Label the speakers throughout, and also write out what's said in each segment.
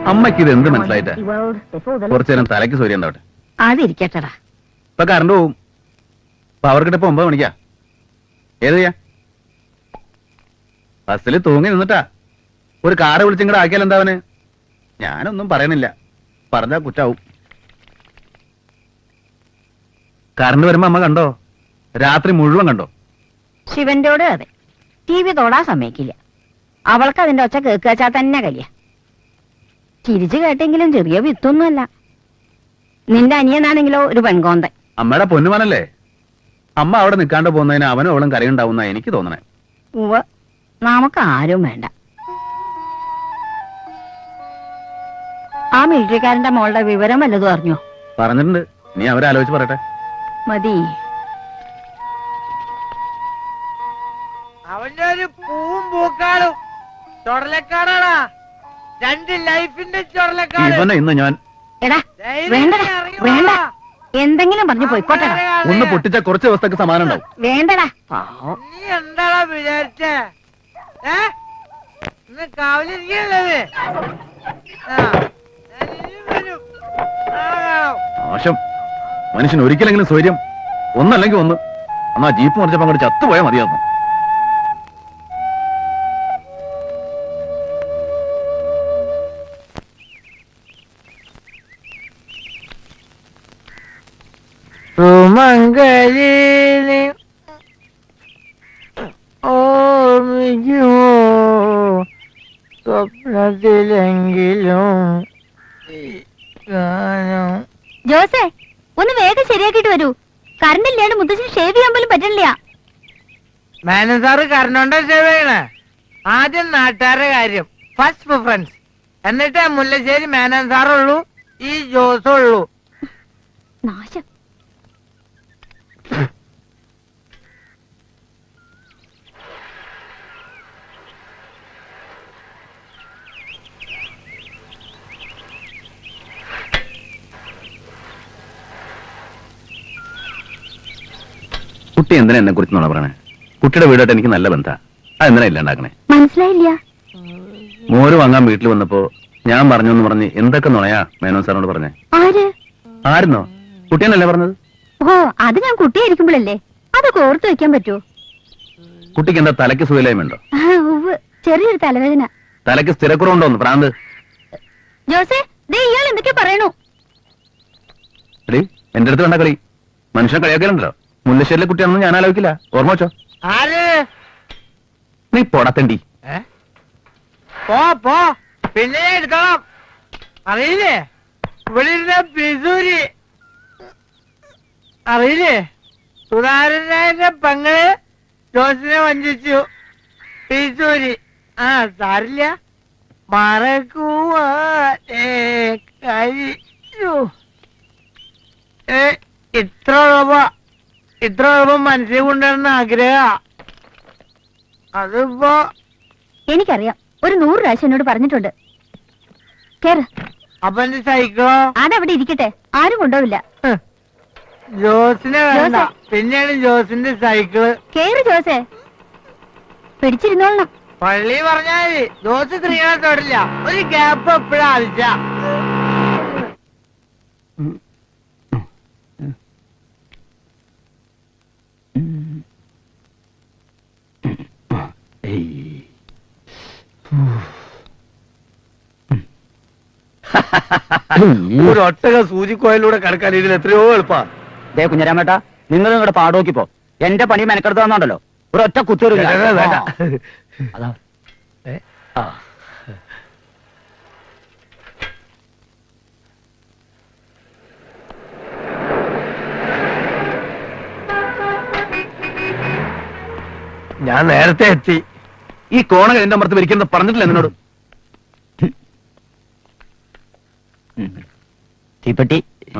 Speaker 1: അമ്മയ്ക്ക് ഇത് എന്ത് മനസ്സിലായിട്ടാ? കുറച്ചു നേരം തലയ്ക്ക് സൂര്യ ഉണ്ടാവട്ടെ.
Speaker 2: അതിരിക്കട്ടടാ.
Speaker 1: ഇപ്പൊ കറണ്ട് പോവും. പവർ കിട്ടപ്പോ 9 മണിക്കാ. ഏത് ചെയ്യാ? ബസ്സിൽ തൂങ്ങി നിന്നിട്ടാ. ഒരു കാറ് വിളിച്ചിങ്ങടെ ആക്കിയാൽ എന്താവന്? ഞാനൊന്നും പറയണില്ല, പറഞ്ഞാ കുറ്റാവും. കറണ്ട് വരുമ്പോ അമ്മ കണ്ടോ? രാത്രി മുഴുവൻ കണ്ടോ?
Speaker 2: ശിവന്റോട് അതെ, TV തൊടാൻ സമ്മതിക്കില്ല. അവൾക്ക് അതിന്റെ ഒച്ച കേൾക്കാച്ചാ തന്നെ കലിയ. ചിരിച്ചു കേട്ടെങ്കിലും ചെറിയ വിത്തൊന്നുമല്ല. നിന്റെ അനിയനാണെങ്കിലോ ഒരു പെൺകോന്തൻ.
Speaker 1: അമ്മയുടെ പൊന്നുമനല്ലേ? അമ്മ അവിടെ നിൽക്കാണ്ട് പോകുന്നതിന് അവനും അവളും കരയുണ്ടാവുന്ന എനിക്ക് തോന്നണേ.
Speaker 2: ഉവ്വ്, നമുക്ക് ആരും വേണ്ട. ആ മിലിറ്ററിക്കാരന്റെ മോളുടെ വിവരം വല്ലതും അറിഞ്ഞോ?
Speaker 1: പറഞ്ഞിട്ടുണ്ട്. നീ അവരാലോചിച്ച് പറയട്ടെ.
Speaker 2: മതി.
Speaker 3: അവന്റെ ഒരു പൂവും പൂക്കാളും ചൊടലക്കാടാടാ. 2 ലൈഫിന്റെ ചൊടലക്കാട്.
Speaker 1: ഇവനെ ഇന്ന് ഞാൻ
Speaker 2: എടാ വേണ്ടടാ, വേണ്ട, എന്തെങ്കിലും പറഞ്ഞു പോയിക്കോട്ടെ.
Speaker 1: ഒന്ന് പൊട്ടിച്ച കുറച്ച് ദിവസത്തേക്ക് സമാനം ഉണ്ടാവും.
Speaker 2: വേണ്ടടാ.
Speaker 3: നീ എന്താടാ വിചാരിച്ചേ? ഇന്ന് കാവലിരിക്കണത്.
Speaker 1: മോശം മനുഷ്യൻ ഒരിക്കലെങ്കിലും സ്വൈര്യം ഒന്നല്ലെങ്കിൽ ഒന്ന്. എന്നാ ജീപ്പ് മറിച്ചപ്പോ അങ്ങോട്ട് ചത്തുപോയാൽ മതിയായിരുന്നു.
Speaker 3: സുമംഗലി ഓർമ്മിക്കുമോ സ്വപ്നത്തിലെങ്കിലും
Speaker 2: ജോസേ, ഒന്ന് വേഗം ശരിയാക്കിട്ട് വരൂ. കറണ്ട് ഇല്ലാണ്ട് മുത്തച്ഛൻ ഷേവ് ചെയ്യാൻ പോലും പറ്റില്ല.
Speaker 3: മേനൻ സാറ് കറണ്ടോണ്ട ഷേവ് ചെയ്യണേ. ആദ്യം നാട്ടുകാരുടെ കാര്യം, ഫസ്റ്റ് പ്രിഫറൻസ്. എന്നിട്ട് മുല്ലശ്ശേരി മേനൻ സാറുള്ളൂ, ഈ ജോസുള്ളൂ.
Speaker 2: നാശം.
Speaker 1: കുട്ടി എന്തിനാ എന്നെ കുറിച്ച് നോണ പറയണേ? കുട്ടിയുടെ വീടായിട്ട് എനിക്ക് നല്ല ബന്ധാ. അതെന്തിനാ ഇല്ലാണ്ടാക്കണേ?
Speaker 2: മനസ്സിലായില്ല.
Speaker 1: മോര് വാങ്ങാൻ വീട്ടിൽ വന്നപ്പോ ഞാൻ പറഞ്ഞു എന്ന് പറഞ്ഞ് എന്തൊക്കെ നുണയാ മേനോൻ സാറിനോട് പറഞ്ഞേ? ആയിരുന്നോ? കുട്ടിയെന്നല്ലേ പറഞ്ഞത്?
Speaker 2: ഓ, അത് ഞാൻ കുട്ടിയായിരിക്കുമ്പോഴല്ലേ. അതൊക്കെ ഓർത്തു വെക്കാൻ പറ്റുമോ?
Speaker 1: കുട്ടിക്ക് എന്താ തലയ്ക്ക് സുഖയില്ലായ്മയുണ്ടോ?
Speaker 2: ചെറിയൊരു തലവേദന.
Speaker 1: തലയ്ക്ക് സ്ഥിരക്കുറവുണ്ടോന്ന് പ്രാന്ത്?
Speaker 2: ജോസേ, ഇയാൾ എന്തൊക്കെ പറയണു?
Speaker 1: എടീ, എന്റെ അടുത്ത് വേണ്ട കളി. മനുഷ്യനെ കളിയാക്കലുണ്ടല്ലോ. മുല്ലശ്ശേരിലെ കുട്ടിയാണെന്ന് ഞാൻ ആലോചിക്കില്ല. ഓർമ്മ വെച്ചോ. നീ പോടത്തണ്ടി.
Speaker 3: പോ പിന്നെ എടുത്തോളാം. അറിയില്ലേ ഇവിടെ ഇരുന്ന പിസൂരി? അറിയില്ലേ? സുധാരനായ പെങ്ങള് ജോസിനെ വഞ്ചിച്ചു. പിസൂരി. സാരില്ല, മറക്കുവാനേ കഴിച്ചു. ഇത്ര എളുപ്പം മനസ്സിൽ കൊണ്ടുവരുന്ന ആഗ്രഹ. അതിപ്പോ
Speaker 2: എനിക്കറിയാം. ഒരു 100 പ്രാവശ്യം എന്നോട് പറഞ്ഞിട്ടുണ്ട്. കേറ്.
Speaker 3: അപ്പൊ എന്റെ സൈക്കിളോ?
Speaker 2: അതവിടെ ഇരിക്കട്ടെ, ആരും കൊണ്ടുപോവില്ല.
Speaker 3: ജോസിനെ വേണ്ട, പിന്നെയാണ് ജോസിന്റെ സൈക്കിള്.
Speaker 2: കേറ് ജോസേ, പിടിച്ചിരുന്നോളണം.
Speaker 3: പള്ളി പറഞ്ഞാല് ജോസ് സ്ത്രീകളെ തൊടില്ല. ഒരു ഗ്യാപ്പ് എപ്പോഴാ ആവശ്യ.
Speaker 4: ഒരു ഒട്ടക സൂചിക്കോയിലൂടെ കടക്കാൻ ഇതിൽ എത്രയോ എളുപ്പാ.
Speaker 5: ദേ കുഞ്ഞരാമേട്ടാ, നിങ്ങൾ നിങ്ങളുടെ പാടോക്കിപ്പോ എന്റെ പണി മെനക്കെടുത്ത് തന്നോണ്ടല്ലോ. ഒരു ഒറ്റ കുത്തൂര്
Speaker 4: ഞാൻ നേരത്തെ എത്തി.
Speaker 1: ഈ കോണകൾ എന്റെ അമർത്ത് വരിക്കുന്നത് പറഞ്ഞിട്ടില്ല എന്നോട്.
Speaker 5: തീപ്പെട്ടി.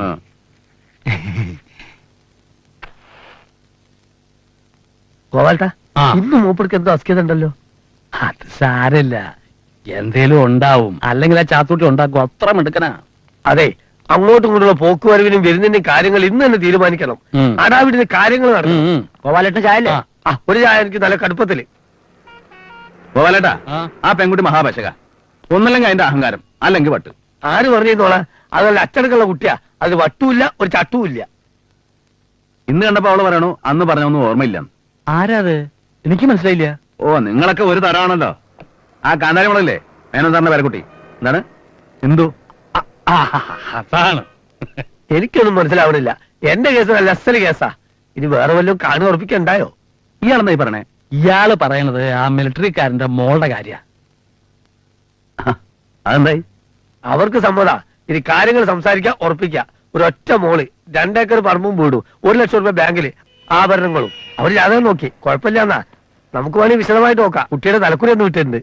Speaker 4: ഗോപാൽട്ടാ, ഇന്ന് മൂപ്പർക്ക് എന്തോ അസ്കിതുണ്ടല്ലോ.
Speaker 1: അത് സാരല്ല, എന്തേലും ഉണ്ടാവും. അല്ലെങ്കിൽ ആ ചാത്തൂട്ടി ഉണ്ടാക്കും. അത്ര മിടുക്കനാ.
Speaker 4: അതെ, അങ്ങോട്ടും ഇങ്ങോട്ടുള്ള പോക്കുവരവിനും വരുന്നതിന്റെയും കാര്യങ്ങൾ ഇന്ന് തന്നെ തീരുമാനിക്കണം. അടാവിടുന്ന കാര്യങ്ങൾ നടക്കും.
Speaker 5: ഗോപാലേട്ടന് ചായല്ലേ?
Speaker 4: ഒരു ചായ എനിക്ക് നല്ല കടുപ്പത്തില്.
Speaker 1: ഗോപാലേട്ടാ, ആ പെൺകുട്ടി മഹാപശക. ഒന്നല്ലെങ്കിൽ അതിന്റെ അഹങ്കാരം അല്ലെങ്കിൽ വട്ട്.
Speaker 4: ആര് പറഞ്ഞോളാ? അതല്ല അച്ചടക്കമുള്ള കുട്ടിയാ. അത് വട്ടുമില്ല, ഒരു ചട്ടുമില്ല.
Speaker 1: ഇന്ന് കണ്ടപ്പോ അവള് പറയണു അന്ന് പറഞ്ഞൊന്നും ഓർമ്മയില്ല.
Speaker 4: ആരാത്? എനിക്ക് മനസ്സിലായില്ല.
Speaker 1: ഓ, നിങ്ങളൊക്കെ ഒരു തരമാണല്ലോ. ആ കാന്താരിമുളല്ലേ മേനോൻ സാറിന്റെ പേരക്കുട്ടി. എന്താണ് ഹിന്ദു?
Speaker 4: അതാണ്. എനിക്കൊന്നും മനസ്സിലാവണില്ല. എന്റെ കേസ് നല്ല അസല് കേസാ. ഇനി വേറെ വല്ലതും കാണു ഉറപ്പിക്കണ്ടായോ?
Speaker 1: ഇയാളെന്താ ഈ പറഞ്ഞേ?
Speaker 4: ഇയാള് പറയണത് ആ മിലിറ്ററിക്കാരന്റെ മോളുടെ കാര്യ.
Speaker 1: അതെന്തായി?
Speaker 4: അവർക്ക് സമ്മതാ. ഇനി കാര്യങ്ങൾ സംസാരിക്കാം, ഉറപ്പിക്കാം. ഒരൊറ്റ മോള്, 2 ഏക്കർ പറമ്പും വീടും, 1 ലക്ഷം രൂപ ബാങ്കില്, ആഭരണങ്ങളും. അവര് ജാതകം നോക്കി, കുഴപ്പമില്ലാന്നാ. നമുക്ക് വേണമെങ്കിൽ വിശദമായിട്ട് നോക്കാം. കുട്ടിയുടെ തലക്കുറി ഒന്ന് വിട്ടിട്ടുണ്ട്.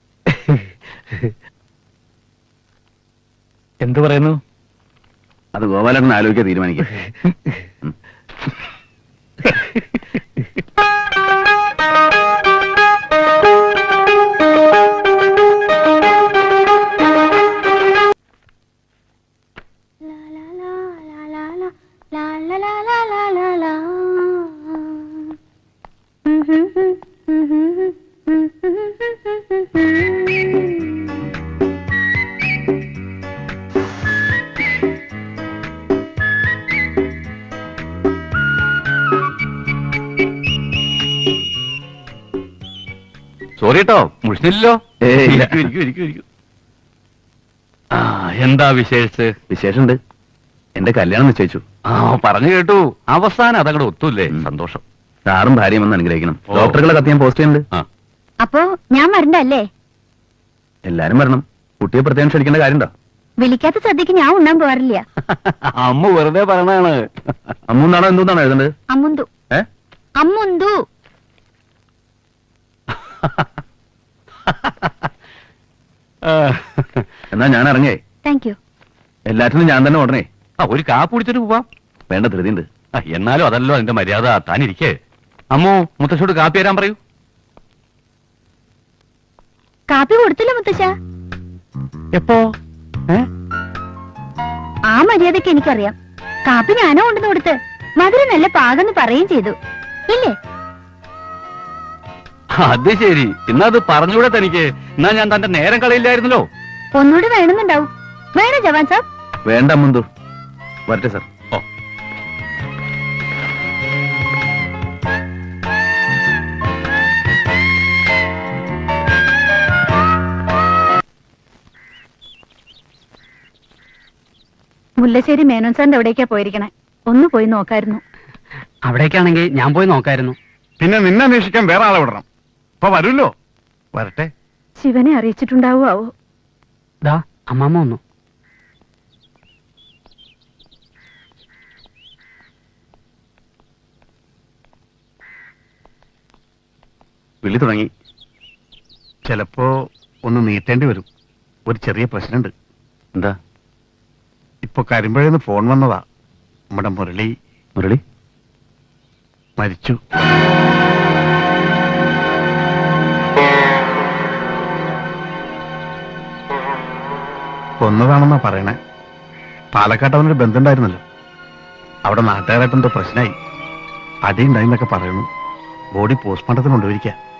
Speaker 4: എന്തു പറയുന്നു?
Speaker 1: അത് ഗോപാലൻ ആലോചിക്കാൻ തീരുമാനിക്കാം.
Speaker 6: സോറി കേട്ടോ, മുഷിഞ്ഞില്ലല്ലോ. എന്താ വിശേഷിച്ച്?
Speaker 1: വിശേഷമുണ്ട്. എന്റെ കല്യാണം നിശ്ചയിച്ചു.
Speaker 6: പറഞ്ഞു കേട്ടു. അവസാനം അതങ്ങടെ ഒത്തൂല്ലേ? സന്തോഷം.
Speaker 1: സാറും ഭാര്യയും ഒന്ന് അനുഗ്രഹിക്കണം.
Speaker 6: ഓ.
Speaker 1: ഡോക്ടറുകളെ കത്ത് ഞാൻ പോസ്റ്റ് ചെയ്യുന്നുണ്ട്.
Speaker 2: അപ്പോ ഞാൻ വരണ്ടല്ലേ?
Speaker 1: എല്ലാരും വരണം. കുട്ടിയെ പ്രത്യേകം ക്ഷണിക്കേണ്ട കാര്യമുണ്ടോ?
Speaker 2: വിളിക്കാത്ത സദ്യക്ക് ഞാൻ ഉണ്ണാൻ പോവാറില്ല.
Speaker 6: അമ്മ വെറുതെ പറഞ്ഞാണ്.
Speaker 1: അമ്മൂന്നാണോ എന്തോന്നാണോ എഴുതേണ്ടത്?
Speaker 2: അമ്മുന്തു.
Speaker 1: ഏ?
Speaker 2: അമ്മുന്തു.
Speaker 1: എന്നാ ഞാൻ ഇറങ്ങേ.
Speaker 2: Thank you.
Speaker 1: എല്ലാറ്റിനും ഞാൻ തന്നെ ഓടണേ.
Speaker 6: ഒരു കാപ്പ് കുടിച്ചിട്ട് പോവാം.
Speaker 1: വേണ്ട, ധൃതിയുണ്ട്.
Speaker 6: എന്നാലും അതല്ലോ അതിന്റെ മര്യാദ. താനിരിക്കേ. അമ്മോ, മുത്തശ്ശോട് കാപ്പി തരാൻ പറയൂ.
Speaker 2: കാപ്പി കൊടുത്തില്ല മുത്തശ്ശ.
Speaker 6: എപ്പോ?
Speaker 2: ആ മര്യാദക്ക് എനിക്കറിയാം. കാപ്പി ഞാനോ കൊണ്ടുവന്ന് കൊടുത്ത് മധുരം നല്ല പാകെന്ന് പറയുകയും ചെയ്തു. ഇല്ലേ?
Speaker 6: അത് ശരി. ഇന്നത് പറഞ്ഞൂടെ തനിക്ക്? എന്നാ ഞാൻ തന്റെ നേരം കളയില്ലായിരുന്നല്ലോ.
Speaker 2: ഒന്നുകൂടി വേണമെന്നുണ്ടാവും. വേണോ ജവാൻ സാബ്?
Speaker 1: വേണ്ട മുന്തു. വരട്ടെ സാർ.
Speaker 6: ഓ.
Speaker 2: മുല്ലശ്ശേരി മേനോൻ സാറിന്റെ എവിടേക്കാ പോയിരിക്കണേ? ഒന്ന് പോയി നോക്കായിരുന്നു.
Speaker 5: അവിടേക്കാണെങ്കിൽ ഞാൻ പോയി നോക്കായിരുന്നു.
Speaker 1: പിന്നെ നിന്നെ അന്വേഷിക്കാൻ വേറെ ആളെ വിടണം. ഇപ്പൊ വരുമല്ലോ. വരട്ടെ.
Speaker 2: ശിവനെ അറിയിച്ചിട്ടുണ്ടാവോ?
Speaker 5: ദാ അമ്മാമ്മ വന്നു.
Speaker 1: വിളി തുടങ്ങി.
Speaker 7: ചിലപ്പോ ഒന്ന് നീട്ടേണ്ടി വരും. ഒരു ചെറിയ പ്രശ്നമുണ്ട്.
Speaker 1: എന്താ?
Speaker 7: ഇപ്പൊ കരിമ്പഴന്ന് ഫോൺ വന്നതാ. നമ്മുടെ
Speaker 1: മുരളി
Speaker 7: മരിച്ചു. കൊന്നതാണെന്നാ പറയണേ. പാലക്കാട്ട് അവനൊരു ബന്ധമുണ്ടായിരുന്നല്ലോ. അവിടെ നാട്ടുകാരായിട്ടെന്തോ പ്രശ്നമായി. അടിയുണ്ടായിന്നൊക്കെ പറയുന്നു. ബോഡി പോസ്റ്റ്മോർട്ടത്തിന് കൊണ്ടുപോയിരിക്കാം.